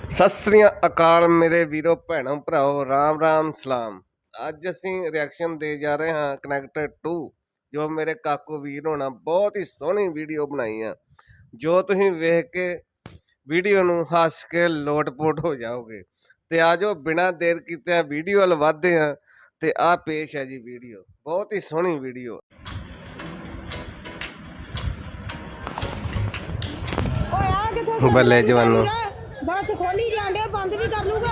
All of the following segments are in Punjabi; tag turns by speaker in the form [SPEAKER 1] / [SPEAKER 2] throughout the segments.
[SPEAKER 1] ਸਤਿ ਸ੍ਰੀ ਅਕਾਲ ਮੇਰੇ ਵੀਰੋ ਭੈਣੋ ਭਰਾਓ, ਰਾਮ ਰਾਮ ਸਲਾਮ। ਅੱਜ ਅਸੀਂ ਰਿਐਕਸ਼ਨ ਦੇ ਜਾ ਰਹੇ ਹਾਂ ਕਨੈਕਟਡ 2, ਜੋ ਮੇਰੇ ਕਾਕੂ ਵੀਰ ਹੋਣਾ ਬਹੁਤ ਹੀ ਸੋਹਣੀ ਵੀਡੀਓ ਬਣਾਈ ਆ, ਜੋ ਤੁਸੀਂ ਵੇਖ ਕੇ ਵੀਡੀਓ ਨੂੰ ਹੱਸ ਕੇ ਲੋਟਪੋਟ ਹੋ ਜਾਓਗੇ। ਤੇ ਆਜੋ ਬਿਨਾਂ ਦੇਰ ਕੀਤੇ ਵੀਡੀਓ ਵੱਲ ਵਧਦੇ ਹਾਂ। ਤੇ ਆ ਪੇਸ਼ ਹੈ ਜੀ ਵੀਡੀਓ, ਬਹੁਤ ਹੀ ਸੋਹਣੀ ਵੀਡੀਓ। ਬੱਲੇ ਜਵਾਨੋ,
[SPEAKER 2] बस खोली जांडे बंद भी कर लूगा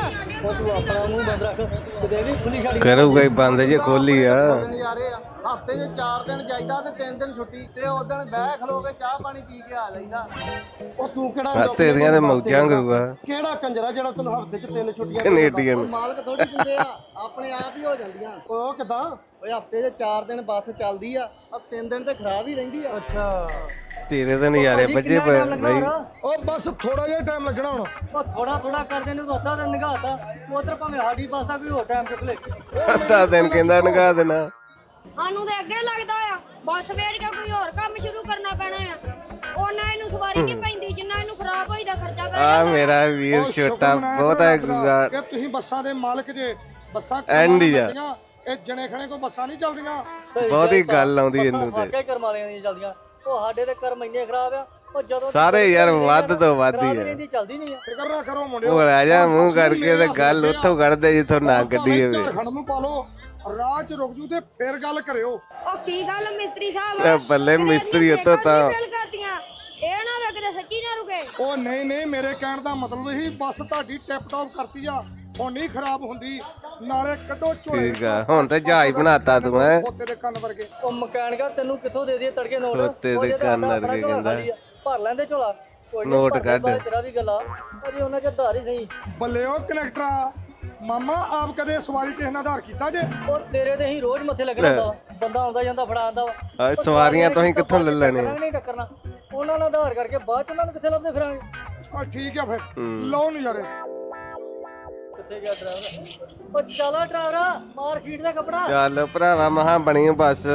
[SPEAKER 1] ਕਰੂਗਾ ਹੀ ਬੰਦ ਜੇ ਖੋਲੀ ਆ।
[SPEAKER 3] ਹਫਤੇ ਦੇ 4 ਦਿਨ ਜਾਈਦਾ ਤੇ 3 ਦਿਨ ਛੁੱਟੀ ਤੇ ਉਸ ਦਿਨ ਬਹਿ ਖਲੋ ਕੇ ਚਾਹ ਪਾਣੀ ਪੀ ਕੇ ਆ ਲੈਂਦਾ। ਉਹ ਤੂੰ ਕਿਹੜਾ
[SPEAKER 1] ਤੇਰੀਆਂ ਤੇ ਮੌਜਾਂ ਕਰੂਗਾ,
[SPEAKER 3] ਕਿਹੜਾ ਕੰਜਰਾ ਜਿਹੜਾ ਤੈਨੂੰ ਹਫਤੇ 'ਚ 3 ਛੁੱਟੀਆਂ
[SPEAKER 1] ਕੈਨੇਡੀਅਨ
[SPEAKER 3] ਮਾਲਕ ਥੋੜੀ ਦਿੰਦੇ ਆ, ਆਪਣੇ ਆਪ ਹੀ ਹੋ ਜਾਂਦੀਆਂ। ਉਹ ਕਿਦਾਂ ਓਏ ਹਫਤੇ ਦੇ 4 ਦਿਨ ਬੱਸ ਚੱਲਦੀ ਆ, 3 ਦਿਨ ਤੇ ਖਰਾਬ ਹੀ ਰਹਿੰਦੀ ਆ। ਅੱਛਾ
[SPEAKER 1] ਤੇਰੇ ਤਾਂ ਨਜ਼ਾਰੇ ਵੱਜੇ ਪਏ ਬਾਈ।
[SPEAKER 3] ਉਹ ਬਸ ਥੋੜਾ ਜਿਹਾ ਟਾਈਮ ਲੱਗਣਾ ਹੁਣ।
[SPEAKER 4] ਉਹ ਥੋੜਾ ਕਰਦੇ ਨੇ ਅੱਧਾ ਦਿਨ ਨਿਗਾਹਤਾ ਉਧਰ ਭਾਵੇਂ ਸਾਡੀ ਬੱਸ ਦਾ ਕੋਈ ਹੋਰ ਟਾਈਮ ਚੁੱਕ ਲੈ।
[SPEAKER 1] ਅੱਧਾ ਦਿਨ ਕਹਿੰਦਾ ਨਗਾ ਦੇਣਾ
[SPEAKER 2] ਸਾਨੂੰ ਤੇ ਅੱਗੇ ਲੱਗਦਾ ਆ ਬੱਸ ਵੇਚ ਕੇ ਕੋਈ ਹੋਰ ਕੰਮ ਸ਼ੁਰੂ ਕਰਨਾ ਪੈਣਾ ਆ। ਉਹਨਾਂ ਇਹਨੂੰ ਸਵਾਰੀ ਨਹੀਂ ਪੈਂਦੀ ਜਿੰਨਾ ਇਹਨੂੰ ਖਰਾਬ ਹੋਈ ਦਾ ਖਰਚਾ ਕਰ।
[SPEAKER 1] ਆ ਮੇਰਾ ਵੀਰ ਛੋਟਾ ਬਹੁਤ ਹੈ ਗੁਜ਼ਾਰ
[SPEAKER 3] ਕਿ ਤੁਸੀਂ ਬੱਸਾਂ ਦੇ ਮਾਲਕ ਜੇ। ਬੱਸਾਂ
[SPEAKER 1] ਐਂਡ ਹੀ ਆ,
[SPEAKER 3] ਇਹ ਜਣੇ ਖਣੇ ਕੋ ਬੱਸਾਂ ਨਹੀਂ ਚੱਲਦੀਆਂ।
[SPEAKER 1] ਬਹੁਤ ਹੀ ਗੱਲ ਆਉਂਦੀ ਇਹਨੂੰ ਤੇ।
[SPEAKER 4] ਵਾਕਿਆ ਕਰਮ ਵਾਲਿਆਂ ਦੀਆਂ ਚੱਲਦੀਆਂ, ਉਹ ਸਾਡੇ ਦੇ ਕਰਮ ਇੰਨੇ ਖਰਾਬ ਆ। ਉਹ ਜਦੋਂ
[SPEAKER 1] ਸਾਰੇ ਯਾਰ ਵੱਧ ਤੋਂ ਵੱਧ ਹੀ ਆ।
[SPEAKER 4] ਇਹਦੀ ਚੱਲਦੀ ਨਹੀਂ ਆ।
[SPEAKER 3] ਫਿਕਰ ਨਾ ਕਰੋ ਮੁੰਡਿਓ,
[SPEAKER 1] ਉਹ ਲੈ ਜਾ ਮੂੰਹ ਕਰਕੇ ਤੇ ਗੱਲ ਉੱਥੋਂ ਕੱਢਦੇ ਜਿੱਥੋਂ ਨਾ ਗੱਡੀ ਹੋਵੇ।
[SPEAKER 3] ਝਾਰਖੰਡ ਨੂੰ ਪਾ ਲਓ, ਰਾਹ 'ਚ ਰੁਕ ਜੂ ਤੇ ਫੇਰ ਗੱਲ ਕਰਿਓ।
[SPEAKER 2] ਉਹ ਕੀ ਗੱਲ ਮਿਸਤਰੀ ਸਾਹਿਬ,
[SPEAKER 1] ਬੱਲੇ ਮਿਸਤਰੀ ਉੱਤੋਂ ਤਾਂ
[SPEAKER 2] ਇਹ ਨਾ ਵੇ ਕਿਤੇ ਸੱਚੀ ਨਾ ਰੁਕੇ।
[SPEAKER 3] ਉਹ ਨਹੀਂ ਮੇਰੇ ਕਹਿਣ ਦਾ ਮਤਲਬ ਇਹੀ ਬੱਸ ਤੁਹਾਡੀ ਟਿਪ ਟੌਪ ਕਰਤੀ ਆ, ਹੁਣ ਨਹੀਂ ਖਰਾਬ ਹੁੰਦੀ। ਨਾਲੇ ਕੱਢੋ ਝੋਲੇ।
[SPEAKER 1] ਠੀਕ ਆ, ਹੁਣ ਤੇ ਜਹਾਜ਼ ਬਣਾਤਾ ਤੂੰ ਹੈ।
[SPEAKER 3] ਖੋਤੇ ਦੇ ਕੰਨ ਵਰਗੇ।
[SPEAKER 4] ਉਹ ਮਕੈਨਿਕਾ ਤੈਨੂੰ ਕਿੱਥੋਂ ਦੇ ਦਈਏ ਤੜਕੇ ਨੋਟ?
[SPEAKER 1] ਖੋਤੇ ਦੇ ਕੰਨ ਵਰਗੇ ਕਹਿੰਦਾ।
[SPEAKER 4] ਭਰ ਲੈਂਦੇ ਝੋਲਾ, ਕੋਈ
[SPEAKER 1] ਨੋਟ ਕੱਢ।
[SPEAKER 4] ਤੇਰਾ ਵੀ ਗੱਲਾਂ ਅਜੇ ਉਹਨਾਂ ਚ ਧਾਰ ਹੀ ਸਹੀ।
[SPEAKER 3] ਬੱਲੇ ਉਹ ਕਨੈਕਟਰਾ ਮਾਮਾ, ਆਪ ਕਦੇ ਸਵਾਰੀ ਕਿਸੇ ਨਾਲ ਆਧਾਰ ਕੀਤਾ ਜੇ?
[SPEAKER 4] ਉਹ ਤੇਰੇ ਤੇ ਹੀ ਰੋਜ਼ ਮੱਥੇ ਲੱਗਣਾ ਹੁੰਦਾ, ਬੰਦਾ ਆਉਂਦਾ ਜਾਂਦਾ ਫੜਾ ਆਂਦਾ ਵਾ।
[SPEAKER 1] ਸਵਾਰੀਆਂ ਤੁਸੀਂ ਕਿੱਥੋਂ ਲੈ ਲੈਣੇ?
[SPEAKER 4] ਨਹੀਂ ਟੱਕਰਨਾ ਉਹਨਾਂ ਨਾਲ ਆਧਾਰ ਕਰਕੇ ਬਾਅਦ ਚ ਉਹਨਾਂ ਨੂੰ ਕਿੱਥੇ ਲੱਭਦੇ ਫਿਰਾਂਗੇ।
[SPEAKER 3] ਆ ਠੀਕ ਆ ਫਿਰ ਲਓ ਨਜ਼ਾਰੇ।
[SPEAKER 4] ਕਿੱਥੇ ਗਿਆ ਡਰਾਈਵਰ? ਉਹ ਚਲਾ ਡਰਾਈਵਰਾ, ਮਾਰ ਸ਼ੀਟ ਦਾ ਕੱਪੜਾ।
[SPEAKER 1] ਚੱਲ ਭਰਾਵਾ, ਮਹਾ ਬਣੀ ਬੱਸ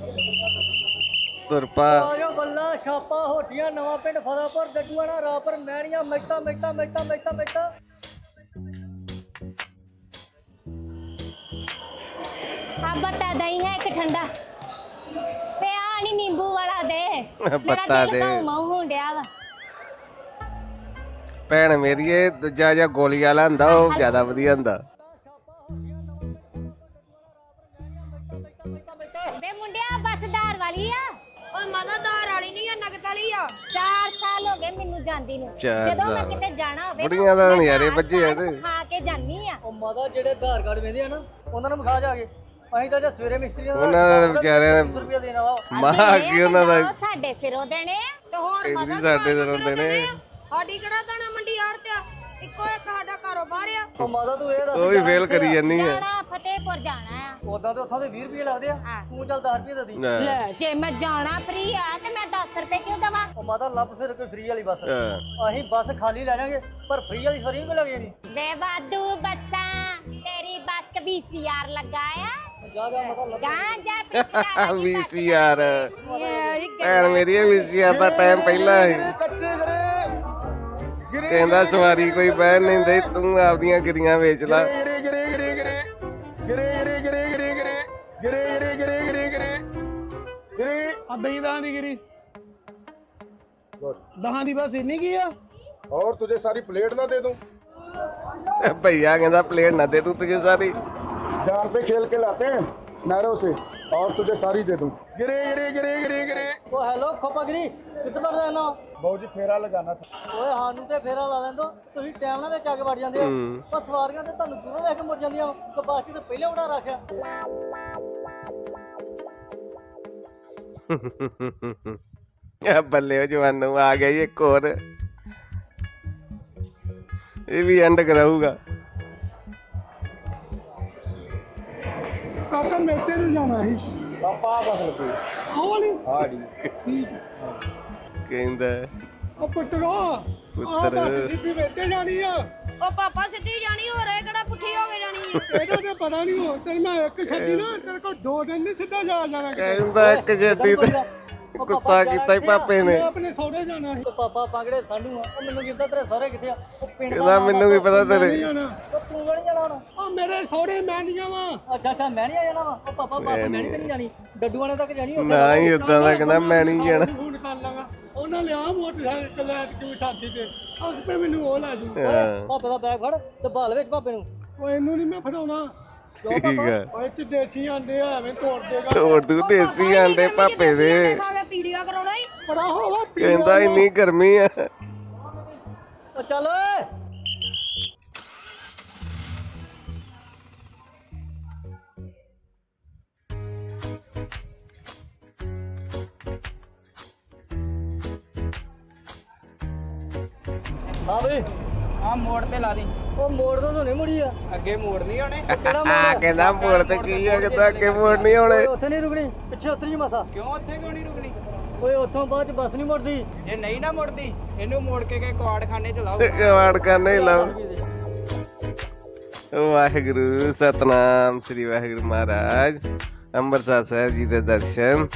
[SPEAKER 1] ਤੁਰਪਾ।
[SPEAKER 4] ਆਜੋ ਬੱਲਾ ਛਾਪਾ ਹੋਟੀਆਂ ਨਵਾਂ ਪਿੰਡ ਫਤਾਪੁਰ ਜੱਟੂਆਣਾ ਰਾਪਰ ਮੈਣੀਆਂ ਮਿੱਟਾ
[SPEAKER 2] ਆ ਬਤਾ ਦਈ ਹੈ ਇੱਕ ਠੰਡਾ ਤੇ ਆ ਨਹੀਂ ਨਿੰਬੂ ਵਾਲਾ ਦੇ
[SPEAKER 1] ਪੱਤਾ ਦੇ
[SPEAKER 2] ਮਾਉ ਹੁੰਡਿਆ ਵਾ।
[SPEAKER 1] ਭੈਣ ਮੇਰੀਏ, ਦੂਜਾ ਜਿਹਾ ਗੋਲੀ ਵਾਲਾ ਹੁੰਦਾ ਉਹ ਜ਼ਿਆਦਾ ਵਧੀਆ ਹੁੰਦਾ।
[SPEAKER 2] ਵੇ ਮੁੰਡਿਆ ਬੱਸਦਾਰ ਵਾਲੀ ਆ। ਓਏ ਮਦਦਦਾਰ ਵਾਲੀ ਨਹੀਂ ਆ, ਨਗਦ ਵਾਲੀ ਆ। 4 ਸਾਲ ਹੋ ਗਏ ਮੈਨੂੰ ਜਾਂਦੀ ਨੂੰ। ਜਦੋਂ ਮੈਂ ਕਿਤੇ ਜਾਣਾ ਹੋਵੇ
[SPEAKER 1] ਬੁੜੀਆਂ ਦਾ ਨਜ਼ਾਰੇ ਵੱਜੇ ਆ ਤੇ
[SPEAKER 2] ਖਾ ਕੇ ਜਾਨੀ ਆ।
[SPEAKER 4] ਉਹ ਮਾਦਾ ਜਿਹੜੇ ਆਧਾਰ ਕਾਰਡ ਵੇਂਦੇ ਆ ਨਾ, ਉਹਨਾਂ ਨੂੰ ਵਿਖਾ ਜਾ ਕੇ। ਅਸੀਂ ਤਾਂ ਜੇ ਸਵੇਰੇ ਮਿਸਤਰੀ
[SPEAKER 1] ਉਹਨਾਂ ਦਾ ਵਿਚਾਰਿਆਂ
[SPEAKER 4] ਰੁਪਏ ਦੇਣਾ ਵਾ।
[SPEAKER 1] ਮਹਾ ਕੀ ਉਹਨਾਂ ਦਾ
[SPEAKER 2] ਸਾਡੇ ਸਿਰੋਂ ਦੇਣੇ ਤੇ ਹੋਰ
[SPEAKER 1] ਇਹਦੀ ਸਾਡੇ ਸਿਰੋਂ ਦੇਣੇ।
[SPEAKER 2] ਸਾਡੀ ਕਿਹੜਾ ਦਾਣਾ ਮੰਡੀ ਆੜਤ ਆ, ਇੱਕੋ ਇੱਕ ਸਾਡਾ ਕਾਰੋਬਾਰ ਆ।
[SPEAKER 4] ਉਹ ਮਾਦਾ ਤੂੰ ਇਹ ਦੱਸ,
[SPEAKER 1] ਉਹ ਵੀ ਫੇਲ ਕਰੀ ਜਾਨੀ ਆ।
[SPEAKER 2] ਜਾਣਾ ਫਤਿਹਪੁਰ ਜਾਣਾ ਆ।
[SPEAKER 4] ਉਦਾਂ ਤੇ ਉੱਥੋਂ ਦੇ 20 ਰੁਪਏ ਲੱਗਦੇ ਆ, ਤੂੰ ਚੱਲ 10 ਰੁਪਏ ਦੇ ਦੀ।
[SPEAKER 2] ਲੈ ਜੇ ਮੈਂ ਜਾਣਾ ਫ੍ਰੀ ਆ ਤੇ ਮੈਂ 10 ਰੁਪਏ ਕਿਉਂ ਦਵਾਂ?
[SPEAKER 4] ਉਹ ਮਾਦਾ ਲੱਭ ਫਿਰ ਕੋਈ ਫ੍ਰੀ ਵਾਲੀ ਬੱਸ। ਅਸੀਂ ਬੱਸ ਖਾਲੀ ਲੈ ਜਾਾਂਗੇ ਪਰ ਫ੍ਰੀ ਵਾਲੀ ਸਵਾਰੀ ਨਹੀਂ ਲੱਗ ਜਾਣੀ।
[SPEAKER 2] ਵੇ ਵਾਧੂ ਬੱਸਾਂ, ਤੇਰੀ ਬੱਸ VCR ਲੱਗਾ ਆ।
[SPEAKER 4] ਜਾ ਮਾਦਾ ਲੱਭ।
[SPEAKER 2] ਗਾਂ ਜਾ
[SPEAKER 1] VCR ਭੈਣ ਮੇਰੀ, VCR ਦਾ ਟਾਈਮ ਪਹਿਲਾਂ ਸੀ। ਕਹਿੰਦਾ ਸਵਾਰੀ ਕੋਈ ਬਹਿਣ ਨਹੀਂ ਦੇ, ਤੂੰ ਆਪਦੀਆਂ ਗਿਰੀਆਂ ਵੇਚ ਲਾ।
[SPEAKER 3] दही ਦੀ ਗਿਰੀ ਦਹਾਂ ਦੀ ਬਸ ਇੰਨੀ ਕੀ ਆ। और तुझे सारी प्लेट ना दे दूं?
[SPEAKER 1] भैया कहता प्लेट ना दे दूं तुझे सारी।
[SPEAKER 3] जान पे खेल के लाते हैं नहरों से, और तुझे सारी दे दूं। गिरे गिरे गिरे गिरे गिरे।
[SPEAKER 4] ਉਹ ਹੈਲੋ ਖੋਪਾਗਰੀ, ਕਿੱਥੇ ਵੜਦਾ ਇਹਨਾਂ?
[SPEAKER 3] ਬਾਊ ਜੀ ਫੇਰਾ ਲਗਾਣਾ था।
[SPEAKER 4] ਓਏ ਸਾਨੂੰ ਤੇ ਫੇਰਾ ਲਾ ਲੈਂਦੋ, ਤੁਸੀਂ ਟਾਈਮ ਨਾਲ ਵਿੱਚ ਆ ਕੇ ਵੜ ਜਾਂਦੇ ਆ। ਪਰ ਸਵਾਰੀਆਂ ਤੇ ਤੁਹਾਨੂੰ ਦੂਰੋਂ ਦੇਖ ਕੇ ਮੁੜ ਜਾਂਦੀਆਂ ਵਾ। ਬੱਸ 'ਚ ਤੇ ਪਹਿਲੇ ਬੜਾ ਰਸ਼ ਆ।
[SPEAKER 1] ਬੱਲੇ ਉਹ ਜਵਾਨੋਂ ਆ ਗਿਆ ਇੱਕ ਹੋਰ, ਇਹ ਵੀ ਐਂਡ ਕਰਾਊਗਾ।
[SPEAKER 3] ਕਾਕਾ ਮੇਤੇ ਨੂੰ ਜਾਣਾ ਸੀ ਪਾਪਾ ਬਸ ਲੱਗੀ ਆਹ ਵਾਲੀ ਹਾੜੀ
[SPEAKER 1] ਕਹਿੰਦਾ
[SPEAKER 3] ਉਹ ਪੁੱਤਰੋ
[SPEAKER 1] ਪੁੱਤਰ
[SPEAKER 3] ਸਿੱਧੀ ਮੇਤੇ ਜਾਣੀ ਆ।
[SPEAKER 2] ਉਹ ਪਾਪਾ ਸਿੱਧੀ ਜਾਣੀ ਹੋ ਰਿਹਾ, ਕਿਹੜਾ ਪੁੱਠੀ ਹੋ ਕੇ ਜਾਣੀ ਆ?
[SPEAKER 3] ਇਹਦਾ ਤੇ ਪਤਾ ਨਹੀਂ ਹੋ ਤੇਰੇ ਮੈਂ ਇੱਕ ਛੱਡੀ ਨਾ, ਤੇਰੇ ਕੋਲ 2 ਦਿਨ ਨਹੀਂ ਸਿੱਧਾ ਜਾਣਾ।
[SPEAKER 1] ਕਹਿੰਦਾ ਇੱਕ ਛੱਡੀ ਤੇ ਗੁੱਸਾ ਕੀਤਾ ਹੀ ਪਾਪੇ ਨੇ।
[SPEAKER 4] ਆਪਣੇ ਸਹੁਰੇ ਜਾਣਾ ਸੀ। ਪਾਪਾ ਪਾਗੜੇ ਸਾਡੂ ਆ। ਉਹ ਮੈਨੂੰ ਕਿੱਦਾਂ ਤੇਰੇ ਸਹੁਰੇ ਕਿੱਥੇ ਆ? ਉਹ ਪਿੰਡ
[SPEAKER 1] ਕਹਿੰਦਾ ਮੈਨੂੰ ਵੀ ਪਤਾ ਤੇਰੇ।
[SPEAKER 4] ਉਹ ਤੂੰ ਨਹੀਂ ਜਾਣਾ ਹੁਣ। ਉਹ ਮੇਰੇ ਸਹੁਰੇ ਮੈਂ ਨਹੀਂ ਜਾਵਾਂ। ਅੱਛਾ ਮੈਂ ਨਹੀਂ ਜਾਣਾ ਵਾ। ਉਹ ਪਾਪਾ ਬਸ ਮੈਂ ਨਹੀਂ ਜਾਣੀ, ਡੱਡੂ ਵਾਲੇ ਤੱਕ ਜਾਣੀ।
[SPEAKER 1] ਨਾ ਹੀ ਉਦਾਂ ਦਾ ਕਹਿੰਦਾ ਮੈਂ ਨਹੀਂ ਜਾਣਾ।
[SPEAKER 4] ਫੋਨ ਕਰ ਲਾਂਗਾ, ਉਹਨਾਂ ਲਿਆ ਮੋਟਰਸਾਈਕਲ ਲੈ ਕੇ ਛਾਤੀ ਤੇ ਆਪੇ ਮੈਨੂੰ ਉਹ ਲੈ ਜੂ। ਪਾਪੇ ਦਾ ਬੈਗ ਫੜ ਤੇ ਬਾਲ ਵਿੱਚ ਪਾਪੇ ਨੂੰ। ਉਹ ਇਹਨੂੰ ਨਹੀਂ ਮੈਂ ਫੜਾਉਣਾ।
[SPEAKER 1] ਠੀਕ ਆ
[SPEAKER 4] ਓਏ ਚ ਦੇਸੀ ਆਂਡੇ ਆ, ਐਵੇਂ ਤੋੜ ਦੇਗਾ।
[SPEAKER 1] ਤੋੜ ਦੂ ਦੇਸੀ ਆਂਡੇ ਪਾਪੇ ਦੇ।
[SPEAKER 2] ਖਾ ਕੇ ਪੀਲੀਆ ਕਰਾਉਣਾ ਹੀ
[SPEAKER 4] ਬੜਾ ਹੋਵਾ
[SPEAKER 1] ਕਹਿੰਦਾ ਇੰਨੀ ਗਰਮੀ ਆ।
[SPEAKER 4] ਉਹ ਚੱਲ ਓਏ। ਹਾਂ ਬਈ
[SPEAKER 5] ਆ ਮੋੜ ਤੇ ਲਾ ਦੀ।
[SPEAKER 4] ਉਹ ਮੋੜ ਤੋਂ ਨਹੀਂ ਮੁੜੀ ਆ।
[SPEAKER 5] ਅੱਗੇ ਮੋੜ ਨਹੀਂ ਆਉਣੇ।
[SPEAKER 4] ਕਿਹੜਾ
[SPEAKER 1] ਕਹਿੰਦਾ ਮੋੜ ਤੇ ਕੀ ਆ, ਕਹਿੰਦਾ ਅੱਗੇ ਮੋੜ ਨਹੀਂ ਆਉਣੇ।
[SPEAKER 4] ਉੱਥੇ ਨਹੀਂ ਰੁਕਣੀ, ਪਿੱਛੇ ਉਤਰ ਜੀ ਮਸਾ।
[SPEAKER 5] ਕਿਉਂ ਉੱਥੇ ਕਿਉਂ ਨਹੀਂ ਰੁਕਣੀ?
[SPEAKER 4] ਓਏ ਉੱਥੋਂ ਬਾਅਦ ਚ ਬੱਸ ਨਹੀਂ ਮੁੜਦੀ।
[SPEAKER 5] ਜੇ ਨਹੀਂ ਨਾ ਮੁੜਦੀ ਇਹਨੂੰ ਮੋੜ ਕੇ ਕੁਆੜਖਾਨੇ ਚ ਲਾਓ।
[SPEAKER 1] ਕਵਾੜ ਕਰਨੇ ਲਾਓ। ਵਾਹਿਗੁਰੂ ਸਤਨਾਮ ਸ੍ਰੀ ਵਾਹਿਗੁਰੂ ਮਹਾਰਾਜ। ਅੰਮ੍ਰਿਤਸਰ ਸਾਹਿਬ ਜੀ ਦੇ ਦਰਸ਼ਨ।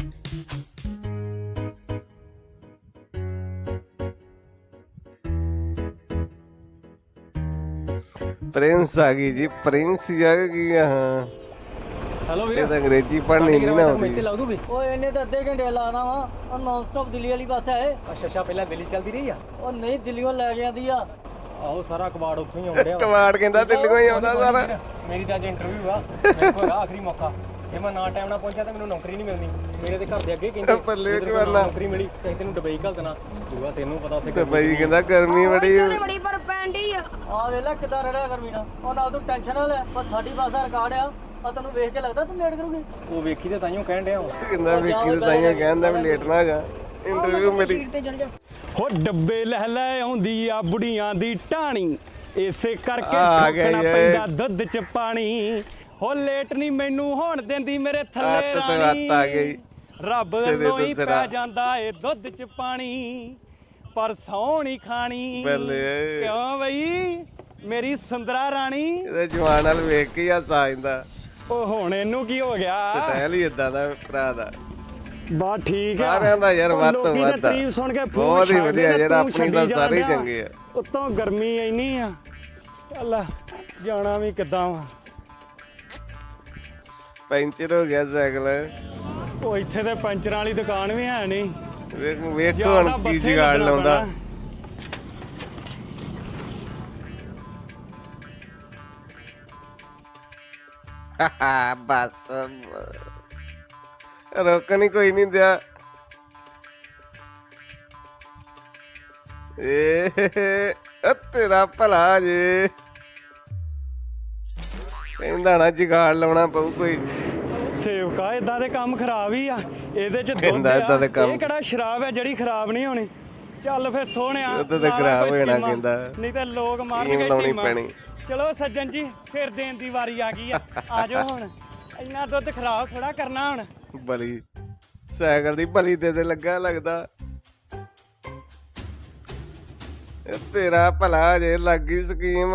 [SPEAKER 1] ਪ੍ਰਿੰਸ ਆ ਗਈ ਜੀ, ਪ੍ਰਿੰਸ ਆ ਗਈ। ਹਾਂ
[SPEAKER 4] ਹੈਲੋ
[SPEAKER 1] ਇਹ ਤਾਂ ਅੰਗਰੇਜ਼ੀ ਪੜ੍ਹਨੀ ਨਹੀਂ ਨਾ ਆਉਂਦੀ।
[SPEAKER 4] ਲਾ ਦੂਗੀ। ਓਏ ਇਹਨੇ ਤਾਂ ਅੱਧੇ ਘੰਟੇ ਲਾਣਾ ਵਾ। ਉਹ ਨਾਨ ਸਟਾਪ ਦਿੱਲੀ ਵਾਲੀ ਬੱਸ ਹੈ।
[SPEAKER 5] ਅੱਛਾ ਪਹਿਲਾਂ ਦਿੱਲੀ ਚੱਲਦੀ ਰਹੀ ਆ।
[SPEAKER 4] ਉਹ ਨਹੀਂ ਦਿੱਲੀੋਂ ਲੈ ਕੇ ਆਂਦੀ ਆ।
[SPEAKER 5] ਆਹੋ ਸਾਰਾ ਕਬਾੜ ਉੱਥੋਂ ਹੀ ਆਉਂਦਿਆ।
[SPEAKER 1] ਕਵਾੜ ਕਹਿੰਦਾ ਦਿੱਲੀੋਂ ਹੀ ਆਉਂਦਾ ਸਾਰਾ।
[SPEAKER 5] ਮੇਰੀ ਤਾਂ ਅੱਜ ਇੰਟਰਵਿਊ ਆ, ਮੇਰੇ ਕੋਲ ਆਖਰੀ ਮੌਕਾ। ਜੇ ਮੈਂ ਨਾ ਟਾਈਮ ਨਾਲ ਪਹੁੰਚਿਆ ਤਾਂ ਮੈਨੂੰ ਨੌਕਰੀ ਨਹੀਂ ਮਿਲਣੀ। ਮੇਰੇ ਦੇ ਘਰ ਦੇ ਅੱਗੇ ਕਹਿੰਦੇ
[SPEAKER 1] ਪੱਲੇ
[SPEAKER 5] ਜੇ ਤੈਨੂੰ
[SPEAKER 1] ਜਵਾਨਾ।
[SPEAKER 5] ਨੌਕਰੀ ਮਿਲੀ ਤੇ ਤੈਨੂੰ ਦੁਬਈ ਘੱਲ ਦੇਣਾ। ਦੂਆ ਤੈਨੂੰ ਪਤਾ ਉੱਥੇ
[SPEAKER 1] ਤੇ ਬਈ ਕਹਿੰਦਾ ਗਰਮੀ ਬੜੀ
[SPEAKER 2] ਬੜੀ ਪਰ ਪੈਂਦੀ ਆ।
[SPEAKER 4] ਆ ਵੇਲਾ ਕਿੱਦਾਂ ਰੜਿਆ ਗਰਮੀ ਨਾਲ। ਉਹ ਨਾਲ ਤੂੰ ਟੈਨਸ਼ਨ ਨਾ ਲੈ। ਬਸ ਸਾਡੀ ਬੱਸ ਦਾ ਰਿਕਾਰਡ ਆ। ਆ ਤੈਨੂੰ ਵੇਖ ਕੇ ਲੱਗਦਾ ਤੂੰ ਲੇਟ ਕਰੂਗੀ।
[SPEAKER 5] ਉਹ ਵੇਖੀ ਤੇ ਤਾਈਓ ਕਹਿਣ ਡਿਆ ਵਾਂ।
[SPEAKER 1] ਕਹਿੰਦਾ ਵੇਖੀ ਤੇ ਤਾਈਆਂ ਕਹਿੰਦਾ ਵੀ ਲੇਟ ਨਾ ਜਾ। ਇੰਟਰਵਿਊ ਮੇਰੀ
[SPEAKER 6] ਹੋ ਡੱਬੇ ਲੈ ਲੈ ਆਉਂਦੀ ਆ ਬੁੜੀਆਂ ਦੀ ਟਾਣੀ, ਇਸੇ ਕਰਕੇ
[SPEAKER 1] ਆ ਗਿਆ
[SPEAKER 6] ਠੋਕਣਾ
[SPEAKER 1] ਜੀ।
[SPEAKER 6] ਪੈਂਦਾ ਦੁੱਧ ਚ ਪਾਣੀ। ਹੋ ਲੇਟ ਨਹੀਂ ਮੈਨੂੰ ਹੋਣ ਦਿੰਦੀ ਮੇਰੇ ਥੱਲੇ
[SPEAKER 1] ਹੱਥ ਤੇ
[SPEAKER 6] ਰਾਣੀ।
[SPEAKER 1] ਹੱਥ ਆ ਗਈ।
[SPEAKER 6] ਰੱਬ
[SPEAKER 1] ਸਿਰੇ
[SPEAKER 6] ਵੱਲੋਂ
[SPEAKER 1] ਤੋਂ
[SPEAKER 6] ਹੀ
[SPEAKER 1] ਸਿਰਾ।
[SPEAKER 6] ਪੈ ਜਾਂਦਾ ਏ ਦੁੱਧ ਚ ਪਾਣੀ, ਪਰ ਸੌ ਨਹੀਂ ਖਾਣੀ।
[SPEAKER 1] ਬੱਲੇ।
[SPEAKER 6] ਕਿਉਂ ਬਈ ਮੇਰੀ ਸੁੰਦਰਾ ਰਾਣੀ।
[SPEAKER 1] ਇਹਦੇ ਜਵਾਨ ਨਾਲ ਵੇਖ ਕੇ ਹੀ ਹਾਸਾ ਆ ਜਾਂਦਾ।
[SPEAKER 6] ਉਹ ਹੁਣ ਇਹਨੂੰ ਕੀ ਹੋ ਗਿਆ?
[SPEAKER 1] ਸਟਾਈਲ ਹੀ ਇਦਾਂ ਦਾ ਭਰਾ ਦਾ।
[SPEAKER 6] ਬਾ ਠੀਕ ਆ।
[SPEAKER 1] ਸਾਰਿਆਂ ਦਾ ਯਾਰ
[SPEAKER 6] ਉਹ
[SPEAKER 1] ਵੱਧ ਤੋਂ
[SPEAKER 6] ਲੋਕੀ ਤਾਂ
[SPEAKER 1] ਵੱਧ ਆ।
[SPEAKER 6] ਤਾਰੀਫ ਸੁਣ ਕੇ ਫੂਕ
[SPEAKER 1] ਬਹੁਤ ਹੀ
[SPEAKER 6] ਛੱਡਦੇ
[SPEAKER 1] ਵਧੀਆ
[SPEAKER 6] ਤੇ
[SPEAKER 1] ਯਾਰ,
[SPEAKER 6] ਤੂੰ
[SPEAKER 1] ਆਪਣੀ ਤਾਂ
[SPEAKER 6] ਛੱਡੀ
[SPEAKER 1] ਸਾਰੇ ਹੀ
[SPEAKER 6] ਜਾਣ ਡਿਆ।
[SPEAKER 1] ਚੰਗੇ ਆ।
[SPEAKER 6] ਉੱਤੋਂ ਗਰਮੀ ਇੰਨੀ ਆ। ਚੱਲ ਜਾਣਾ ਵੀ ਕਿੱਦਾਂ ਵਾ।
[SPEAKER 1] ਪੈਂਚਰ ਹੋ ਗਿਆ ਸਾਈਕਲ।
[SPEAKER 6] ਉਹ ਇੱਥੇ ਤੇ ਪੰਚਰਾਂ ਵਾਲੀ ਦੁਕਾਨ ਵੀ ਹੈ ਨਹੀਂ।
[SPEAKER 1] ਵੇਖੋ
[SPEAKER 6] ਜਾਂ
[SPEAKER 1] ਹੁਣ
[SPEAKER 6] ਤਾਂ
[SPEAKER 1] ਕੀ
[SPEAKER 6] ਬੱਸੇ
[SPEAKER 1] ਜਗਾੜ
[SPEAKER 6] ਲੱਗਣਾ
[SPEAKER 1] ਲਾਉਂਦਾ।
[SPEAKER 6] ਪੈਣਾ।
[SPEAKER 1] ਬਸ ਰੋਕਣ ਹੀ ਕੋਈ ਨਹੀਂ ਦਿਆ। ਤੇਰਾ ਭਲਾ ਜੇ। ਕਹਿੰਦਾ ਨਾ ਜਗਾੜ ਲਾਉਣਾ ਪਊ ਕੋਈ।
[SPEAKER 6] ਸੇਵਕਾ ਇਦਾਂ ਦੇ ਕੰਮ ਖਰਾਬ ਹੀ ਆ। ਇਹਦੇ ਚ ਦੁੱਧ
[SPEAKER 1] ਕਹਿੰਦਾ ਏਦਾਂ ਦੇ
[SPEAKER 6] ਆ।
[SPEAKER 1] ਕੰਮ।
[SPEAKER 6] ਇਹ ਕਿਹੜਾ ਸ਼ਰਾਬ ਹੈ ਜਿਹੜੀ ਖਰਾਬ ਨਹੀਂ ਹੋਣੀ। ਚੱਲ ਫੇਰ ਸੋਹਣਿਆ
[SPEAKER 1] ਦੁੱਧ ਤੇ
[SPEAKER 6] ਲਾ ਲਾ
[SPEAKER 1] ਖਰਾਬ
[SPEAKER 6] ਕੋਈ
[SPEAKER 1] ਹੋ ਜਾਣਾ
[SPEAKER 6] ਸਕੀਮਾਂ।
[SPEAKER 1] ਕਹਿੰਦਾ।
[SPEAKER 6] ਨਹੀਂ ਤੇ ਲੋਕ
[SPEAKER 1] ਸਕੀਮ
[SPEAKER 6] ਮਾਰਨਗੇ
[SPEAKER 1] ਲਾਉਣੀ
[SPEAKER 6] ਟੀਮਾਂ।
[SPEAKER 1] ਪੈਣੀ।
[SPEAKER 6] ਚਲੋ ਸੱਜਣ ਜੀ ਫਿਰ ਦੇਣ ਦੀ ਵਾਰੀ ਆ ਗਈ ਆ। ਆ ਜਾਓ ਹੁਣ। ਇੰਨਾ ਦੁੱਧ ਖਰਾਬ ਥੋੜਾ ਕਰਨਾ ਹੁਣ।
[SPEAKER 1] ਬਲੀ ਸਾਈਕਲ ਦੀ ਬਲੀ ਦੇ ਲੱਗਾ ਲੱਗਦਾ। ਤੇਰਾ ਭਲਾ ਜੇ ਲੱਗ ਗਈ ਸਕੀਮ।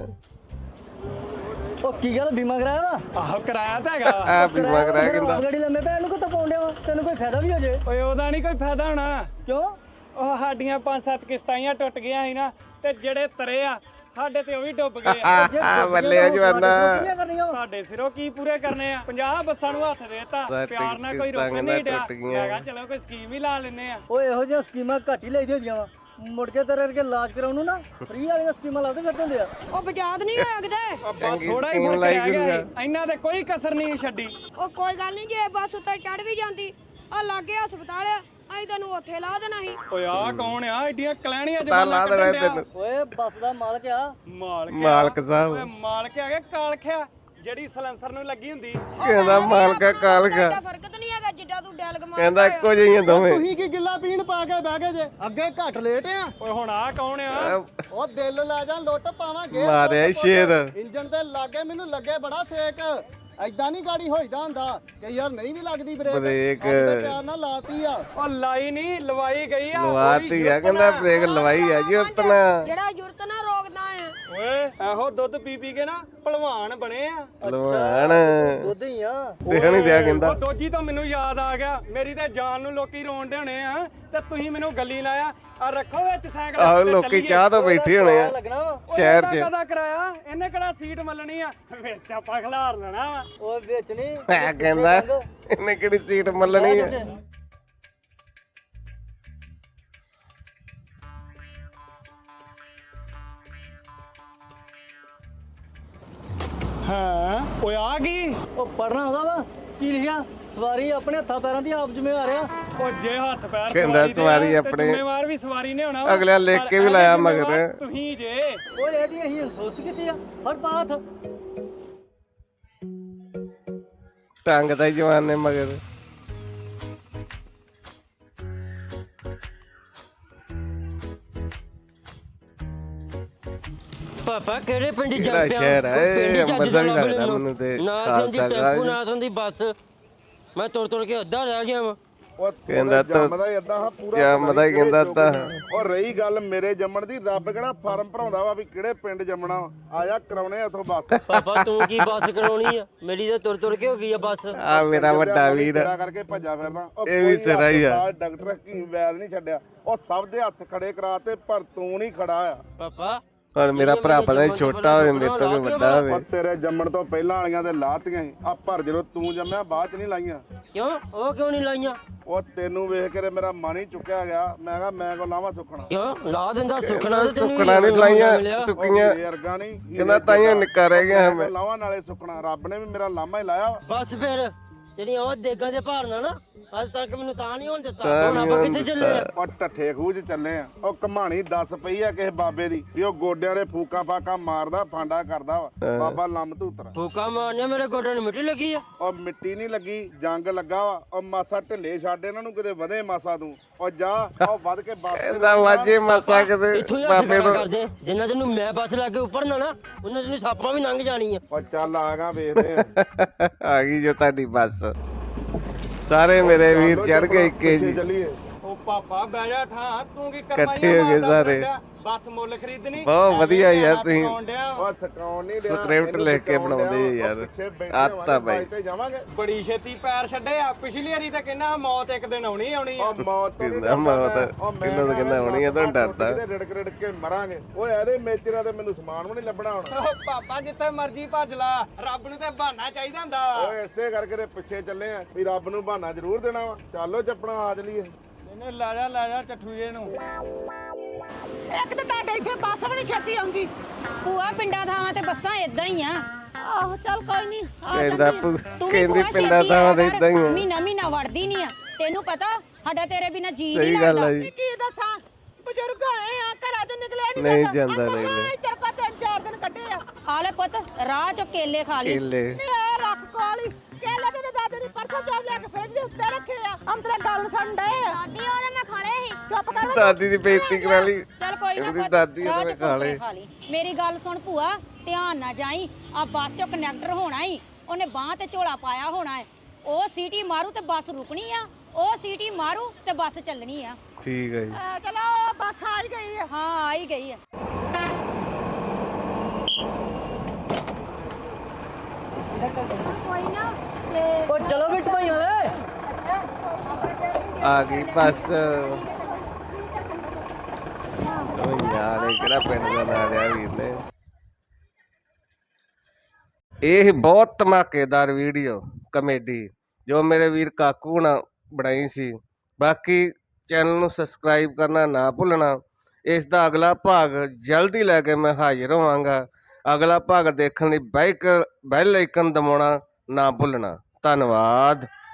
[SPEAKER 4] ਉਹ ਕੀ ਗੱਲ ਬੀਮਾ ਕਰਾਇਆ ਵਾ?
[SPEAKER 6] ਆਹੋ ਕਰਾਇਆ ਤਾਂ ਹੈਗਾ।
[SPEAKER 1] ਆ ਬੀਮਾ ਕਰਾਇਆ ਕਹਿੰਦਾ।
[SPEAKER 4] ਗੱਡੀ ਲੰਮੇ ਪੈ ਇਹਨੂੰ ਕਿੱਥੋਂ ਪਾਉਂਦੇ ਵਾ? ਤੈਨੂੰ ਕੋਈ ਫਾਇਦਾ ਵੀ ਹੋ ਜੇ।
[SPEAKER 6] ਓਏ ਉਹਦਾ ਨਹੀਂ ਕੋਈ ਫਾਇਦਾ ਹੋਣਾ।
[SPEAKER 4] ਕਿਉਂ?
[SPEAKER 6] ਉਹ ਸਾਡੀਆਂ 5-7 ਕਿਸ਼ਤਾਂ ਟੁੱਟ ਗਈਆਂ ਸੀ ਨਾ, ਤੇ ਜਿਹੜੇ ਤਰੇ ਆ ਸਾਡੇ ਤੇ ਉਹ ਵੀ ਡੁੱਬ ਗਏ ਆ।
[SPEAKER 1] ਬੱਲੇ ਜਵਾਨਾ।
[SPEAKER 6] ਸਾਡੇ ਸਿਰੋਂ ਕੀ ਪੂਰੇ ਕਰਨੇ ਆ? 50 ਬੱਸਾਂ ਨੂੰ ਹੱਥ ਦੇਤਾ। ਪਿਆਰ ਨਾਲ ਕੋਈ
[SPEAKER 1] ਕਿਸ਼ਤਾਂ
[SPEAKER 6] ਰੋਕਣ ਨਹੀਂ ਡਿਆ।
[SPEAKER 1] ਟੁੱਟ ਗਈਆਂ।
[SPEAKER 6] ਹੈਗਾ ਚਲੋ ਕੋਈ ਸਕੀਮ ਹੀ ਲਾ ਲੈਨੇ ਆ।
[SPEAKER 4] ਓਏ ਇਹੋ ਜਿਹੀਆਂ ਸਕੀਮਾਂ ਘੱਟ ਹੀ ਲਈਦੀਆਂ ਹੁੰਦੀਆਂ ਵਾ। ਮੁੜ ਕੇ ਤੇਰੇ ਵਰਗੇ ਇਲਾਜ ਕਰਾਉਣ ਨੂੰ ਨਾ ਫ੍ਰੀ ਵਾਲੀਆਂ ਸਕੀਮਾਂ ਲਾਉਂਦੇ ਫਿਰਦੇ ਹੁੰਦੇ ਆ।
[SPEAKER 2] ਉਹ ਬਜਾਦ ਨਹੀਂ ਹੋਇਆ ਕਿਤੇ।
[SPEAKER 6] ਬਸ
[SPEAKER 1] ਚੰਗੀ
[SPEAKER 6] ਥੋੜਾ ਹੀ
[SPEAKER 1] ਸਕੀਮ
[SPEAKER 6] ਫਰਕ
[SPEAKER 1] ਲਾਈ
[SPEAKER 6] ਰਹਿ ਗਿਆ
[SPEAKER 1] ਗੁਰੂਆ।
[SPEAKER 6] ਸੀ। ਇਹਨਾਂ ਤੇ ਕੋਈ ਕਸਰ ਨਹੀਂ ਛੱਡੀ।
[SPEAKER 2] ਉਹ ਕੋਈ ਗੱਲ ਨਹੀਂ, ਜੇ ਬੱਸ ਉੱਤੇ ਚੜ ਵੀ ਜਾਂਦੀ ਆ ਲਾਗੇ ਹਸਪਤਾਲ ਆ, ਅਸੀਂ ਤੈਨੂੰ ਉੱਥੇ ਲਾ ਦੇਣਾ ਸੀ।
[SPEAKER 6] ਓਏ ਆ ਕੌਣ ਆ? ਏਡੀਆਂ ਕਲੈਣੀਆਂ
[SPEAKER 1] ਤਾਂ ਲਾ ਦੇਣਾ ਤੈਨੂੰ।
[SPEAKER 4] ਓਏ ਬੱਸ ਦਾ ਮਾਲਕ ਆ।
[SPEAKER 6] ਮਾਲਕ
[SPEAKER 1] ਸਾਹਿਬ।
[SPEAKER 6] ਓਏ ਮਾਲਕ ਆ ਗਿਆ ਕਾਲਖਿਆ ਜਿਹੜੀ ਸਲੈਂਸਰ ਨੂੰ ਲੱਗੀ ਹੁੰਦੀ।
[SPEAKER 1] ਕਹਿੰਦਾ ਮਾਲਕਾ ਕਾਲਕਾ।
[SPEAKER 2] ਐਡਾ ਫਰਕ ਤਾਂ ਨਹੀਂ ਹੈਗਾ ਜਿੱਡਾ ਤੂੰ ਡੈਲਗ ਮਾਰ।
[SPEAKER 1] ਕਹਿੰਦਾ ਇੱਕੋ ਜਿਹੀਆਂ ਦੋਵੇਂ।
[SPEAKER 3] ਤੁਸੀਂ ਕੀ ਗਿੱਲਾ ਪੀਣ ਪਾ ਕੇ ਬਹਿ ਗਏ ਜੇ? ਅੱਗੇ ਘੱਟ ਲੇਟ ਆ।
[SPEAKER 6] ਓਏ ਹੁਣ ਆ ਕੌਣ ਆ?
[SPEAKER 3] ਉਹ ਦਿਲ ਲੈ ਜਾ ਲੁੱਟ ਪਾਵਾਂਗੇ।
[SPEAKER 1] ਮਾਰਿਆ ਈ ਸ਼ੇਰ।
[SPEAKER 3] ਇੰਜਣ ਤੇ ਲਾਗੇ ਮੈਨੂੰ ਲੱਗੇ ਬੜਾ ਸੇਕ। ਐਦਾਂ ਨਹੀਂ ਗਾੜੀ ਹੋਈਦਾ ਹੁੰਦਾ ਕਿ ਯਾਰ ਨਹੀਂ ਵੀ ਲੱਗਦੀ ਬ੍ਰੇਕ।
[SPEAKER 1] ਬ੍ਰੇਕ।
[SPEAKER 3] ਪਿਆਰ ਨਾਲ ਲਾਤੀ ਆ।
[SPEAKER 6] ਉਹ ਲਾਈ ਨਹੀਂ ਲਵਾਈ ਗਈ ਆ।
[SPEAKER 1] ਲਵਾਤੀ ਆ ਕਹਿੰਦਾ ਬ੍ਰੇਕ ਲਵਾਈ ਆ ਜੀ ਉਤਨਾ।
[SPEAKER 2] ਜਿਹੜਾ ਜੁਰਤ ਨਾਲ ਰੋਕਦਾ ਆ।
[SPEAKER 6] ਓਏ ਇਹੋ ਦੁੱਧ ਪੀ ਪੀ ਕੇ ਨਾ ਭਲਵਾਨ ਬਣੇ ਆ।
[SPEAKER 1] ਭਲਵਾਨ
[SPEAKER 4] ਦੁੱਧ ਹੀ ਆ।
[SPEAKER 1] ਦੇਖ ਨਹੀਂ ਦਿਆ ਕਹਿੰਦਾ।
[SPEAKER 6] ਉਹ ਦੋਜੀ ਤਾਂ ਮੈਨੂੰ ਯਾਦ ਆ ਗਿਆ, ਮੇਰੀ ਤੇ ਜਾਨ ਨੂੰ ਲੋਕੀ ਰੋਣ ਦੇ ਹੋਣੇ ਆ ਤੇ ਤੁਸੀਂ ਮੈਨੂੰ ਗੱਲੀ ਲਾਇਆ। ਆ ਰੱਖੋ ਵਿੱਚ ਸਾਈਕਲ
[SPEAKER 1] ਆਹੋ
[SPEAKER 6] ਤੇ
[SPEAKER 1] ਲੋਕੀ
[SPEAKER 6] ਚੱਲੀਏ।
[SPEAKER 1] ਚਾਹ ਤੋਂ ਬੈਠੇ ਹੋਣੇ ਆ
[SPEAKER 4] ਲੱਗਣਾ ਵਾ।
[SPEAKER 1] ਸ਼ਹਿਰ
[SPEAKER 6] ਉਹਦਾ
[SPEAKER 1] 'ਚ।
[SPEAKER 6] ਕਾਹਦਾ ਕਰਾਇਆ, ਇਹਨੇ ਕਿਹੜਾ ਸੀਟ ਮੱਲਣੀ ਆ, ਵਿੱਚ ਆਪਾਂ ਖਿਲਾਰ ਲੈਣਾ ਵਾ।
[SPEAKER 4] ਉਹ ਵਿੱਚ ਨਹੀਂ
[SPEAKER 1] ਮੈਂ ਕਹਿੰਦਾ ਇਹਨੇ ਕਿਹੜੀ ਸੀਟ ਮੱਲਣੀ ਆ।
[SPEAKER 6] ਹਾਂ ਓਏ ਆ ਗਈ।
[SPEAKER 4] ਉਹ ਪੜਨਾ ਹੁੰਦਾ ਵਾ ਕੀ ਲਿਖਿਆ? ਸਵਾਰੀ ਆਪਣੇ ਹੱਥਾਂ ਪੈਰਾਂ ਦੀ ਆਪ ਜ਼ਿੰਮੇਵਾਰ ਆ।
[SPEAKER 6] ਉਹ ਜੇ ਹੱਥ ਪੈਰ
[SPEAKER 1] ਕਹਿੰਦਾ
[SPEAKER 6] ਦੇ
[SPEAKER 1] ਸਵਾਰੀ
[SPEAKER 6] ਆ, ਤੇ
[SPEAKER 1] ਆਪਣੇ-
[SPEAKER 6] ਜ਼ਿੰਮੇਵਾਰ ਵੀ ਸਵਾਰੀ ਨੇ ਹੋਣਾ ਵਾ।
[SPEAKER 1] ਅਗਲਿਆਂ ਲਿਖ
[SPEAKER 6] ਪਰ
[SPEAKER 1] ਕੇ ਵੀ
[SPEAKER 6] ਇਹਦੇ
[SPEAKER 1] ਲਾਇਆ
[SPEAKER 6] ਜ਼ਿੰਮੇਵਾਰ
[SPEAKER 1] ਮਗਰ।
[SPEAKER 6] ਤੁਸੀਂ ਜੇ
[SPEAKER 4] ਉਹ ਇਹਦੀ ਅਸੀਂ ਅਫਸੋਸ ਕੀਤੀ ਆ ਹਰ ਬਾਤ।
[SPEAKER 1] ਟੰਗ ਦਾ ਹੀ ਜਵਾਨ ਨੇ ਮਗਰ।
[SPEAKER 7] ਪਾਪਾ ਕਿਹੜੇ ਪਿੰਡ
[SPEAKER 1] ਕਿਹੜਾ
[SPEAKER 7] ਜਾ ਪਿਆ?
[SPEAKER 1] ਸ਼ਹਿਰ ਹੈ
[SPEAKER 7] ਕੋਈ ਪਿੰਡ
[SPEAKER 1] ਇਹ?
[SPEAKER 7] ਚੱਜ
[SPEAKER 1] ਅੰਮ੍ਰਿਤਸਰ ਹੀ
[SPEAKER 7] ਦਾ ਲੱਭ
[SPEAKER 1] ਲੱਗਦਾ
[SPEAKER 7] ਮੈਨੂੰ।
[SPEAKER 1] ਮੈਨੂੰ ਤੇ
[SPEAKER 7] ਨਾ
[SPEAKER 1] ਖਾਲਸਾ
[SPEAKER 7] ਸੰਦੀ ਟੈਂਪੂ
[SPEAKER 1] ਰਾਜ।
[SPEAKER 7] ਨਾ ਸੰਦੀ ਬੱਸ। ਮੈਂ ਤੁਰ ਕੇ ਅੱਧਾ ਰਹਿ ਗਿਆ ਵਾ।
[SPEAKER 1] ਕਹਿੰਦਾ ਤਾਂ
[SPEAKER 8] ਜੰਮਦਾ ਹੀ ਏਦਾਂ ਹਾਂ ਪੂਰਾ
[SPEAKER 1] ਜੰਮਦਾ ਹੀ ਕਹਿੰਦਾ ਤਾਂ।
[SPEAKER 8] ਔਰ ਰਹੀ ਗੱਲ ਮੇਰੇ ਜੰਮਣ ਦੀ, ਰੱਬ ਕਿਹੜਾ ਫਾਰਮ ਭਰਾਉਂਦਾ ਵਾ ਵੀ ਕਿਹੜੇ ਪਿੰਡ ਜੰਮਣਾ ਆ ਜਾ ਕਰਾਉਣੇ ਇਥੋਂ ਬੱਸ।
[SPEAKER 7] ਪਾਪਾ ਤੂੰ ਕੀ ਬੱਸ ਕਰਾਉਣੀ ਆ? ਮੇਰੀ ਤਾਂ ਤੁਰ ਕੇ ਹੋ ਗਈ ਆ ਬੱਸ।
[SPEAKER 1] ਆ ਮੇਰਾ ਵੱਡਾ ਵੀਰ
[SPEAKER 8] ਤੇਰਾ ਕਰਕੇ ਭੱਜਾ ਫਿਰਦਾ। ਉਹ
[SPEAKER 1] ਇਹ ਵੀ
[SPEAKER 8] ਕੋਈ
[SPEAKER 1] ਸਿਰਾ ਹੀ ਆ।
[SPEAKER 8] ਹਸਪਤਾਲ, ਡਾਕਟਰ ਕੀ ਵੈਦ ਨਹੀਂ ਛੱਡਿਆ। ਉਹ ਸਭ ਦੇ ਹੱਥ ਖੜੇ ਕਰਾਤੇ ਪਰ ਤੂੰ ਨਹੀਂ ਖੜਾ ਆ।
[SPEAKER 7] ਪਾਪਾ
[SPEAKER 1] ਹੁਣ ਮੇਰਾ ਭਰਾ ਪਤਾ ਨਹੀਂ ਛੋਟਾ ਹੋਵੇ ਮੇਰੇ ਤੋਂ ਵੀ ਵੱਡਾ
[SPEAKER 8] ਉਹ
[SPEAKER 1] ਹੋਵੇ।
[SPEAKER 8] ਤੇਰੇ ਜੰਮਣ ਤੋਂ ਪਹਿਲਾਂ ਵਾਲੀਆਂ ਤੇ ਲਾਤੀਆਂ ਸੀ ਆ, ਪਰ ਜਦੋਂ ਤੂੰ ਜੰਮਿਆ ਬਾਅਦ ਚ ਨਹੀਂ ਲਾਈਆਂ।
[SPEAKER 7] ਕਿਉਂ? ਉਹ ਕਿਉਂ ਨਹੀਂ ਲਾਈਆਂ?
[SPEAKER 8] ਉਹ ਤੈਨੂੰ ਵੇਖ ਕੇ ਤੇ ਮੇਰਾ ਮਨ ਹੀ ਚੁੱਕਿਆ ਗਿਆ। ਮੈਂ ਕਿਹਾ ਮੈਂ ਕੋ ਲਾਵਾਂ ਸੁੱਖਣਾ।
[SPEAKER 7] ਕਿਉਂ ਲਾ ਦਿੰਦਾ ਸੁੱਖਣਾ ਤੇ ਤੈਨੂੰ
[SPEAKER 1] ਸੁੱਕਣਾ ਨਹੀਂ ਲਾਈਆਂ ਸੁੱਕੀਆਂ।
[SPEAKER 8] ਅਰਗਾ ਨਹੀਂ
[SPEAKER 1] ਕਹਿੰਦਾ ਤਾਈਆਂ ਨਿੱਕਾ ਰਹਿ ਗਿਆ ਮੈਂ।
[SPEAKER 8] ਲਾਵਾਂ ਨਾਲੇ ਸੁੱਕਣਾ। ਰੱਬ ਨੇ ਵੀ ਮੇਰਾ ਲਾਮਾ ਹੀ ਲਾਇਆ ਵਾ।
[SPEAKER 7] ਬਸ ਫਿਰ ਜਿਹੜੀਆਂ ਉਹ ਦੇਗਾਂ ਦੇ ਭਾਰਨਾ ਨਾ ਅੱਜ ਤੱਕ ਮੈਨੂੰ ਤਾਂ ਨਹੀਂ ਹੋਣ ਦਿੱਤਾ।
[SPEAKER 1] ਤਾਂ
[SPEAKER 7] ਹੁਣ
[SPEAKER 1] ਨੀ
[SPEAKER 7] ਆਪਾਂ
[SPEAKER 1] ਹੋਣ
[SPEAKER 7] ਕਿੱਥੇ ਚੱਲੇ ਆ?
[SPEAKER 8] ਉਹ ਢੱਠੇ ਖੂਹ 'ਚ ਚੱਲੇ ਆ। ਉਹ ਕਹਾਣੀ ਦੱਸ ਪਈ ਆ ਕਿਸੇ ਬਾਬੇ ਦੀ ਵੀ ਉਹ ਗੋਡਿਆਂ ਦੇ ਫੂਕਾ ਫਾਕਾ ਮਾਰਦਾ ਫਾਂਡਾ ਕਰਦਾ ਵਾ। ਬਾਬਾ ਲੰਮ ਧੂਤਰਾ।
[SPEAKER 7] ਫੂਕਾ ਮਾਰਨੇ ਮੇਰੇ ਗੋਡਿਆਂ ਨੂੰ ਮਿੱਟੀ ਲੱਗੀ ਆ।
[SPEAKER 8] ਉਹ ਮਿੱਟੀ ਨਹੀਂ ਲੱਗੀ, ਜੰਗ ਲੱਗਾ ਵਾ। ਉਹ ਮਾਸਾ ਢਿੱਲੇ ਛੱਡ ਇਹਨਾਂ ਨੂੰ, ਕਿਤੇ ਵਧੇ ਮਾਸਾ ਤੂੰ। ਉਹ ਜਾ ਉਹ ਵੱਧ ਕੇ ਬੱਸ ਤੇ
[SPEAKER 1] ਕਹਿੰਦਾ ਵਾਜੇ ਮਾਸਾ ਕਿਤੇ
[SPEAKER 7] ਇੱਥੋਂ ਹੀ
[SPEAKER 1] ਬਾਬੇ
[SPEAKER 7] ਹੱਥ
[SPEAKER 1] ਤੋਂ।
[SPEAKER 7] ਕਰਦੇ ਜਿੰਨਾ ਤੈਨੂੰ ਮੈਂ ਬੱਸ ਲਾ ਕੇ ਉੱਪਰ ਨਾ ਉਹਨਾਂ ਤੈਨੂੰ ਸਾਪਾਂ ਵੀ ਲੰਘ ਜਾਣੀ ਆ।
[SPEAKER 8] ਉਹ ਚੱਲ ਆਗਾ ਵੇਖਦੇ ਆ।
[SPEAKER 1] ਆ ਗਈ ਜੋ ਤੁਹਾਡੀ ਬੱਸ। ਸਾਰੇ ਮੇਰੇ ਵੀਰ ਚੜ ਗਏ ਇੱਕੇ ਜੀ।
[SPEAKER 8] ਚੱਲੀਏ।
[SPEAKER 6] ਉਹ ਪਾਪਾ ਬਹਿ ਜਾ ਠਾਂ, ਤੂੰ ਕੀ
[SPEAKER 1] ਇਕੱਠੇ ਹੋ ਗਏ ਸਾਰੇ।
[SPEAKER 6] ਬੱਸ ਮੁੱਲ ਖਰੀਦਣੀ।
[SPEAKER 1] ਬਹੁਤ ਵਧੀਆ ਯਾਰ ਤੁਸੀਂ।
[SPEAKER 8] ਉਹ ਥਕਾਉਣ ਨਹੀਂ ਡਿਆ।
[SPEAKER 1] ਸਕ੍ਰਿਪਟ
[SPEAKER 8] ਇਹਨੂੰ
[SPEAKER 1] ਲਿਖ ਕੇ
[SPEAKER 8] ਥਕਾਉਣ
[SPEAKER 1] ਬਣਾਉਂਦੇ
[SPEAKER 8] ਡਿਆ।
[SPEAKER 1] ਯਾਰ।
[SPEAKER 8] ਉਹ ਪਿੱਛੇ ਬੈਠੇ
[SPEAKER 1] ਆਤਾ
[SPEAKER 8] ਹੋਵਾਂਗੇ,
[SPEAKER 1] ਬਾਈ।
[SPEAKER 8] ਬਾਈਕ ਤੇ ਜਾਵਾਂਗੇ।
[SPEAKER 6] ਬੜੀ ਛੇਤੀ ਪੈਰ ਛੱਡੇ ਆ। ਪਿਛਲੀ ਵਾਰੀ ਤਾਂ ਕਹਿੰਦਾ ਮੌਤ ਇੱਕ ਦਿਨ ਆਉਣੀ ਆਉਣੀ ਆ।
[SPEAKER 8] ਉਹ ਮੌਤ ਤੋਂ ਨੀ
[SPEAKER 1] ਕਹਿੰਦਾ ਮੌਤ,
[SPEAKER 8] ਡਰਦਾ। ਉਹ ਮੈਂ
[SPEAKER 1] ਕਿਹਨੂੰ ਤਾਂ ਕਹਿੰਦਾ ਹੋਣੀ ਆ, ਤੁਹਾਨੂੰ ਡਰਦਾ।
[SPEAKER 8] ਕਿਤੇ ਰਿੜਕ ਰਿੜਕ ਕੇ ਮਰਾਂਗੇ। ਓਏ ਇਹਦੇ ਮੇਚਰਾਂ ਤੇ ਮੈਨੂੰ ਸਮਾਨ ਵੀ ਨਹੀਂ ਲੱਭਣਾ ਹੁਣ।
[SPEAKER 6] ਉਹ ਪਾਪਾ ਜਿੱਥੇ ਮਰਜ਼ੀ ਭੱਜ ਲਾ, ਰੱਬ ਨੂੰ ਤੇ ਬਹਾਨਾ ਚਾਹੀਦਾ ਹੁੰਦਾ।
[SPEAKER 8] ਓਏ ਇਸੇ ਕਰਕੇ ਤੇ ਪਿੱਛੇ ਚੱਲੇ ਆ ਵੀ ਰੱਬ ਨੂੰ ਬਹਾਨਾ ਜ਼ਰੂਰ ਦੇਣਾ ਵਾ। ਚੱਲੋ ਚੱਪਣਾ ਆ ਚਲੀਏ।
[SPEAKER 6] ਇਹਨੇ ਲੈ ਜਾ ਚਠੂਏ ਨੂੰ।
[SPEAKER 9] ਇੱਕ ਤਾਂ ਤੁਹਾਡੇ ਇੱਥੇ ਬੱਸ ਵੀ ਨਹੀਂ ਛੇਤੀ ਆਉਂਦੀ।
[SPEAKER 2] ਭੂਆ ਪਿੰਡਾਂ ਥਾਵਾਂ ਤੇ ਬੱਸਾਂ ਇਦਾਂ ਹੀ ਆ।
[SPEAKER 9] ਆਹੋ ਚੱਲ ਕੋਈ ਨਹੀਂ
[SPEAKER 1] ਕਹਿੰਦਾ
[SPEAKER 2] ਤੂੰ ਵੀ
[SPEAKER 1] ਕਹਿੰਦੀ
[SPEAKER 2] ਭੂਆ
[SPEAKER 1] ਪਿੰਡਾਂ
[SPEAKER 2] ਛੇਤੀ
[SPEAKER 1] ਤਾਂ
[SPEAKER 2] ਆਇਆ
[SPEAKER 1] ਦੇ
[SPEAKER 2] ਕਰ।
[SPEAKER 1] ਇਦਾਂ ਹੀ ਆ।
[SPEAKER 2] ਮਹੀਨਾ ਵੜਦੀ ਨਹੀਂ ਆ। ਤੈਨੂੰ ਪਤਾ ਸਾਡਾ ਤੇਰੇ ਬਿਨਾ ਜੀ
[SPEAKER 1] ਸਹੀ
[SPEAKER 2] ਨਹੀਂ
[SPEAKER 1] ਗੱਲ
[SPEAKER 2] ਲੱਗਦਾ।
[SPEAKER 1] ਆ ਜੀ।
[SPEAKER 9] ਕੀ ਦੱਸਾਂ ਬਜ਼ੁਰਗ ਆਏ ਆ ਘਰਾਂ ਚੋਂ ਨਿਕਲਿਆ
[SPEAKER 1] ਨਹੀਂ
[SPEAKER 9] ਜਾਂਦਾ
[SPEAKER 1] ਜਾਂਦਾ,
[SPEAKER 9] ਆਪਾਂ
[SPEAKER 1] ਨਹੀਂ
[SPEAKER 9] ਹਾਂ ਇੱਧਰ ਕੋ 3-4 ਦਿਨ ਕੱਢੇ ਆ।
[SPEAKER 2] ਆ ਲੈ ਪੁੱਤ ਰਾਹ ਚੋਂ ਕੇਲੇ ਖਾ ਲਈ।
[SPEAKER 1] ਕੇਲੇ
[SPEAKER 9] ਨਹੀਂ ਆ ਰੱਖ ਕੋਲੀ ਕੇਲੇ ਤੇ ਦਾਦੇ ਨੇ ਪਰਸੋਂ ਚੋਂ ਲਿਆ ਕੇ ਫਰਿੱਜ ਦੇ ਉੱਤੇ ਰੱਖੇ ਆ। ਅੰਤਰੇ ਗੱਲ ਸੁਣ ਡਏ ਆ। ਦਾਦੀ ਉਹਦੇ ਮੈਂ ਖਾ ਲਏ ਸੀ। ਚੁੱਪ ਕਰ।
[SPEAKER 1] ਦਾਦੀ ਦੀ ਬੇਇੱਜ਼ਤੀ ਕਰਾ ਲਈ।
[SPEAKER 2] ਚੱਲ ਕੋਈ ਨਾ
[SPEAKER 1] ਇਹਦੀ
[SPEAKER 2] ਪੁੱਤ,
[SPEAKER 1] ਦਾਦੀ
[SPEAKER 2] ਰਾਹ
[SPEAKER 1] ਉਹਨੇ
[SPEAKER 2] ਚ
[SPEAKER 1] ਖਾ ਲਏ।
[SPEAKER 2] ਖਾ ਲਈ। ਮੇਰੀ ਗੱਲ ਸੁਣ ਭੂਆ, ਧਿਆਨ ਨਾਲ ਜਾਈ। ਆ ਬੱਸ ਚੋਂ ਕੰਡਕਟਰ ਹੋਣਾ ਹੀ, ਉਹਨੇ ਬਾਹ ਤੇ ਝੋਲਾ ਪਾਇਆ ਹੋਣਾ ਹੈ। ਉਹ ਸੀਟੀ ਮਾਰੂ ਤੇ ਬੱਸ ਰੁਕਣੀ ਆ। ਉਹ ਸੀਟੀ ਮਾਰੂ ਤੇ ਬੱਸ ਚੱਲਣੀ ਆ।
[SPEAKER 1] ਠੀਕ ਹੈ ਜੀ।
[SPEAKER 9] ਚਲੋ ਬੱਸ ਆ ਹੀ ਗਈ ਆ।
[SPEAKER 2] ਹਾਂ ਆ ਹੀ ਗਈ ਆ। ਕੋਈ ਨਾ
[SPEAKER 4] ਉਹ ਚਲੋ ਵਿੱਚ ਭਾਈਆਂ ਓਏ।
[SPEAKER 1] ਆ ਗਈ ਬੱਸ। ਉਹ ਯਾਰ ਇਹ ਕਿਹੜਾ ਪਿੰਡ ਦਾ ਨਾਂ ਲਿਆ ਵੀਰ ਨੇ। ਇਹ ਬਹੁਤ ਧਮਾਕੇਦਾਰ ਵੀਡੀਓ ਕਮੇਡੀ ਜੋ ਮੇਰੇ ਵੀਰ ਕਾਕੂ ਨੇ ਬਣਾਈ ਸੀ। ਬਾਕੀ ਚੈਨਲ ਨੂੰ ਸਬਸਕ੍ਰਾਈਬ ਕਰਨਾ ਨਾ ਭੁੱਲਣਾ। ਇਸ ਦਾ ਅਗਲਾ ਭਾਗ ਜਲਦੀ ਲੈ ਕੇ ਮੈਂ ਹਾਜ਼ਰ ਹੋਵਾਂਗਾ। ਅਗਲਾ ਭਾਗ ਦੇਖਣ ਲਈ ਬੈਲ ਆਈਕਨ ਦਬਾਉਣਾ ਨਾ ਭੁੱਲਣਾ। ਧੰਨਵਾਦ।